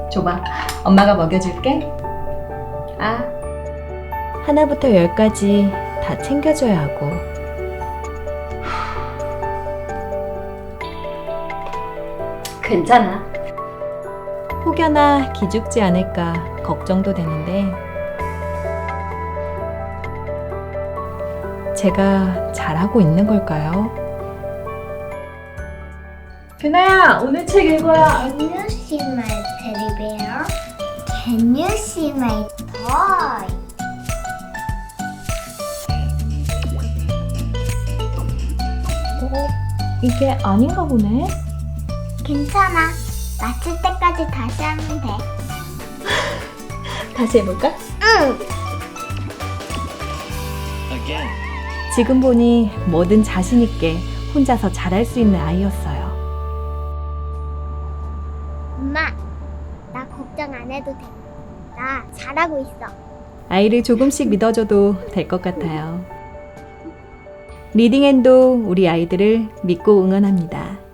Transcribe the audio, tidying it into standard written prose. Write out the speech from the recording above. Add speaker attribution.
Speaker 1: 줘봐. 엄마가 먹여줄게. 아,
Speaker 2: 하나부터 10까지 다 챙겨줘야 하고
Speaker 1: 괜찮아.
Speaker 2: 혹여나 기죽지 않을까 걱정도 되는데 제가 잘하고 있는 걸까요? 규나야, 오늘 책 읽어야.
Speaker 3: Can you see my teddy bear? Can you see my toy?
Speaker 2: 이게 아닌가 보네.
Speaker 3: 괜찮아. 마칠 때까지 다시 하면 돼.
Speaker 2: 다시 해볼까?
Speaker 3: 응.
Speaker 2: 지금 보니 뭐든 자신 있게 혼자서 잘할 수 있는 아이였어요.
Speaker 3: 엄마, 나 걱정 안 해도 돼. 나 잘하고 있어.
Speaker 2: 아이를 조금씩 믿어줘도 될 것 같아요. 리딩앤도 우리 아이들을 믿고 응원합니다.